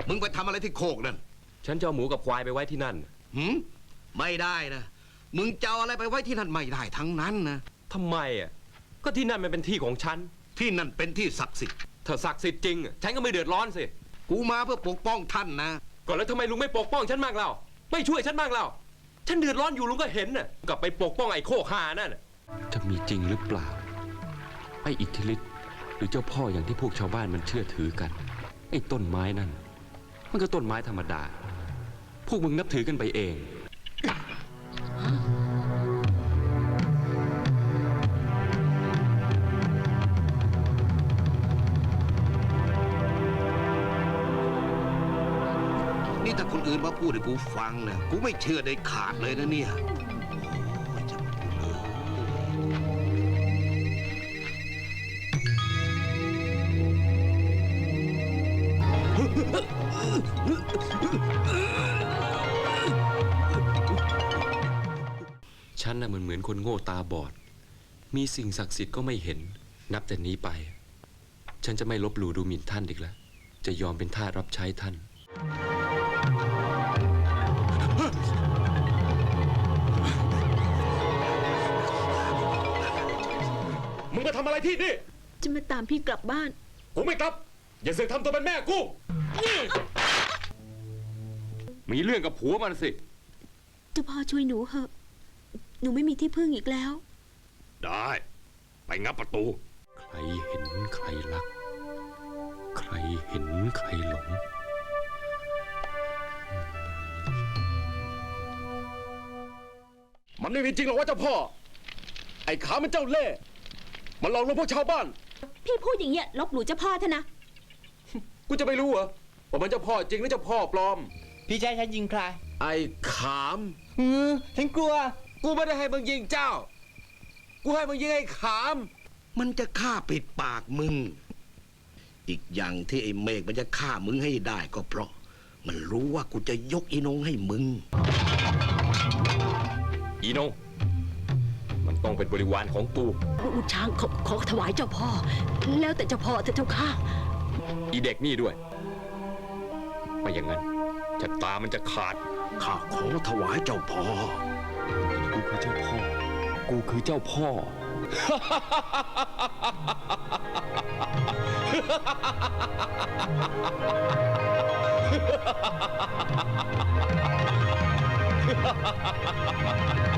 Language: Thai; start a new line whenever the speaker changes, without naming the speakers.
มึงไปทำอะไรที่โคกนั่น
ฉันจะเอาหมูกับควายไปไว้ที่นั่น
ไม่ได้นะมึงจะเอาอะไรไปไว้ที่นั่นไม่ได้ทั้งนั้นนะ
ทำไมอ่ะก็ที่นั่นมันเป็นที่ของฉัน
ที่นั่นเป็นที่ศักดิ์สิทธิ์
ถ้าศักดิ์สิทธิ์จริงฉันก็ไม่เดือดร้อนสิ
กูมาเพื่อปกป้องท่านนะ
ก่อนแล้วทำไมลุงไม่ปกป้องฉันบ้างเล่าไม่ช่วยฉันบ้างเล่าฉันเดือดร้อนอยู่ลุงก็เห็นน่ะกลับไปปกป้องไอ้โคกหานั่นจะมีจริงหรือเปล่าไอ้อิทธิฤทธิ์หรือเจ้าพ่ออย่างที่พวกชาวบ้านมันเชื่อถือกันไอ้ต้นไม้นั่นมันก็ต้นไม้ธรรมดาพวกมึงนับถือกันไปเอง
นี่ถ้าคนอื่นมาพูดให้กูฟังนะกูไม่เชื่อได้ขาดเลยนะเนี่ย
ฉันน่ะเหมือนคนโง่ตาบอดมีสิ่งศักดิ์สิทธิ์ก็ไม่เห็นนับแต่นี้ไปฉันจะไม่ลบหลู่ดูหมิ่นท่านอีกแล้วจะยอมเป็นทาสรับใช้ท่านมึงมาทำอะไรที่นี่
จะมาตามพี่กลับบ้าน
กูไม่กลับอย่าเสือกทำตัวเป็นแม่กูมีเรื่องกับผัวมันสิ
เจ้าพ่อช่วยหนูเถอะหนูไม่มีที่พึ่งอีกแล้ว
ได้ไปงับประตูใครเห็นใครรักใครเห็นใครหลงมันไม่มีจริงหรอกว่าเจ้าพ่อไอ้ขามันเจ้าเล่ห์มันหลอกลวงพวกชาวบ้าน
พี่พูดอย่างเงี้ยลบหลู่เจ้าพ่อเถอะนะ
กูจะไม่รู้เหรอว่ามันเจ้าพ่อจริงหรือเจ้าพ่อปลอม
พี่ชายฉันยิงใคร
ไอ้ขาม
ฉันกลัว
กูไม่ได้ให้มึงยิงเจ้ากูให้มึงยิงไอ้ขาม
มันจะฆ่าปิดปากมึงอีกอย่างที่ไอ้เมฆมันจะฆ่ามึงให้ได้ก็เพราะมันรู้ว่ากูจะยกอีนงให้มึง
อีนงมันต้องเป็นบริวารของกู
อุช้างขอถวายเจ้าพ่อแล้วแต่เจ้าพ่อเถอะเจ้าข้า
อีเด็กนี่ด้วยไม่อย่างนั้นชะตามันจะขาด
ข้าขอถวายเจ้าพ่อ
กูคือเจ้าพ่อกูคือเจ้าพ่อฮ่าฮ่าฮ่าฮ่า